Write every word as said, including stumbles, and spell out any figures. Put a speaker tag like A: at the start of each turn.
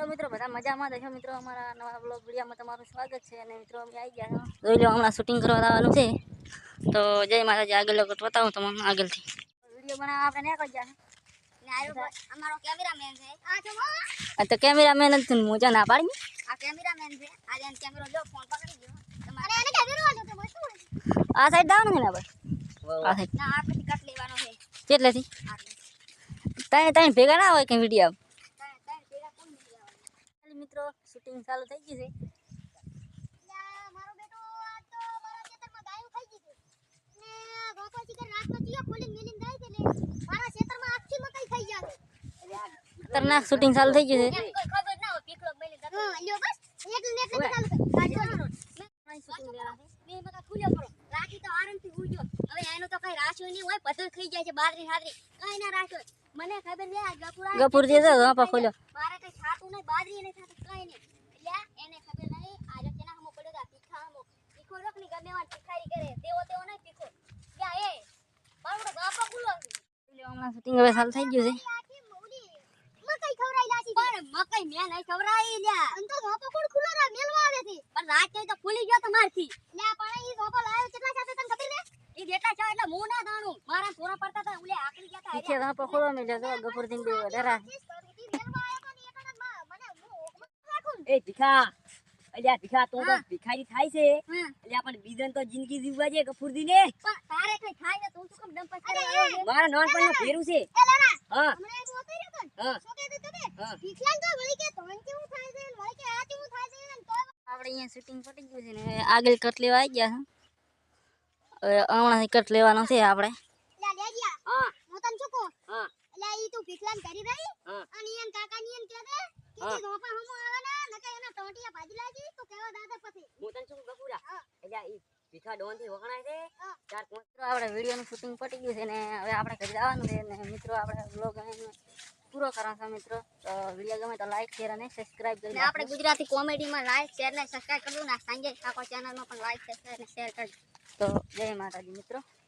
A: મિત્રો બધા મજામાં દેખો મિત્રો અમારા નવા બ્લોગ વિડીયોમાં તમારું સ્વાગત છે અને મિત્રો અમે આવી ગયા છો જોઈ લો હમણાં શૂટિંગ કરવા આવવાનું છે તો જય માતાજી આગળ લોકો બતાવું તમને આગળથી વિડીયો બનાવવા આપણે નહીં કરી ગયા ને આયો અમારો કેમેરામેન છે આ જો આ તો કેમેરામેન જ તું મોજા ના પાડી આ કેમેરામેન છે આજે એન કેમેરો જો ફોન પકડી ગયો તમારે એને કેમેરો આલો તો શું આ સાઈડ દાવ ને બરાબર આ સાઈડ ના આ પછી કટ લેવાનો છે કેટલેથી તાય તાય ભેગા ના હોય કે વિડીયો મિત્રો શૂટિંગ ચાલુ થઈ ગઈ છે
B: મારો બેટો આ તો મારા ખેતરમાં ગાયો ખાઈ ગઈ છે ને ગોપા ચીકર રાતનો ચિયો ખોલીને મેલીને જાય છે ને મારા ખેતરમાં આખી મકાઈ ખાઈ જાય
A: ખતરનાક શૂટિંગ ચાલુ થઈ ગઈ છે
B: કોઈ ખબર ના હોય પીકળો મેલી જતો હા લ્યો બસ એટલે ને એટલે ચાલુ કર કાઢો મેં શૂટિંગ લેવા છે બે મકા ખુલ્યો કરો રાખી તો આરામથી ઉડ્યો હવે એનો તો કઈ રાખ્યો નહીં હોય પતલ ખાઈ જાય છે બાદરી હાદરી કઈ ના રાખ્યો મને ખબર નહી આ ગપુરા
A: ગપુર જે છે હા ખોલ્યો
B: મારે કઈ ખાતું નહીં બાદરી નહીં ખાતું કઈ નહીં એટલે એને ખબર નહીં આજે તેના હમો પડ્યો તા તીખા હમો તીખો રોકની ગમે વાન તીખારી કરે તેવો તેવો નહીં તીખો ક્યાં એ મારો બાપો ગુલો છે
A: હમણાં શૂટિંગ હવે ચાલુ થઈ ગયું છે
B: આખી મોડી મકાઈ ખવરાઈ લાસી પણ મકાઈ મે નહીં ખવરાઈ લ્યા અન તો બાપો કોણ ખુલો રા મેલવા આવે છે પણ રાત તો ફૂલી ગયો તમારથી લ્યા પણ ઈ બાપો લાવ્યો કેટલા સાથે તને ખબર ને ઈ બેટા છે એટલે હું ના જાણું મારા થોરા પડતા હતા ઉલે આકલી ગયા હતા
A: પીછે વહાં પકડો મે જો ગપુર દિન બે ડરા
C: એ ભીખા અલ્યા ભીખા તો તો ભિખારી થાય છે અલ્યા પણ બીજન તો જિંદગી જીવવા છે ગફુરદી ને
B: પણ તારે કઈ થાય ને તું શું કેમ ડમ પછાડે આવ્યો છે
C: મારા નાનપણ નું ફેરું છે
B: એ લાલા
C: હા
B: હમણે તો ઓતઈ રહ્યો તો
C: હા
B: શું કહે તો તે
C: હા
B: ભીખલાલ તો વળી કે તોન કેવું થાય છે વળી કે આ કેવું થાય છે ને તો
A: આપણે અહીંયા શૂટિંગ પતી ગયું છે ને હવે આગળ કટ લેવા આવી ગયા છે હવે હમણાં કટ લેવાનો છે આપણે
B: લા લે ગયા
C: હા
B: હું તને શું કહું
C: હા
B: એટલે ઈ તું ભીખલાલ કરી રહી
C: હા
B: અને ઈન કાકા ની ઈન કે દે કે ઈ ધોપા હમો આવે ને નકે એના ટોટિયા ભાજી લાજી તો કેવા દાદા પછી
C: હું તને શું ગફુરા અલ્યા ઈ ભીખા ડોન થી વખણાય છે ચાર પાંચ
A: મિત્રો આપણે વિડીયોનું શૂટિંગ પતી ગયું છે ને હવે આપણે ઘરે જવાનું છે ને મિત્રો આપણે બ્લોગ પૂરો કરવાનો છે મિત્રો તો વિડીયો ગમે તો લાઈક શેર અને સબસ્ક્રાઇબ કરી
B: ને આપણે ગુજરાતી કોમેડીમાં લાઈક શેર ને સબસ્ક્રાઇબ કરજો ને સંજય ઠાકોર ચેનલમાં પણ લાઈક શેર અને શેર કરજો
A: તો જય માતાજી મિત્રો.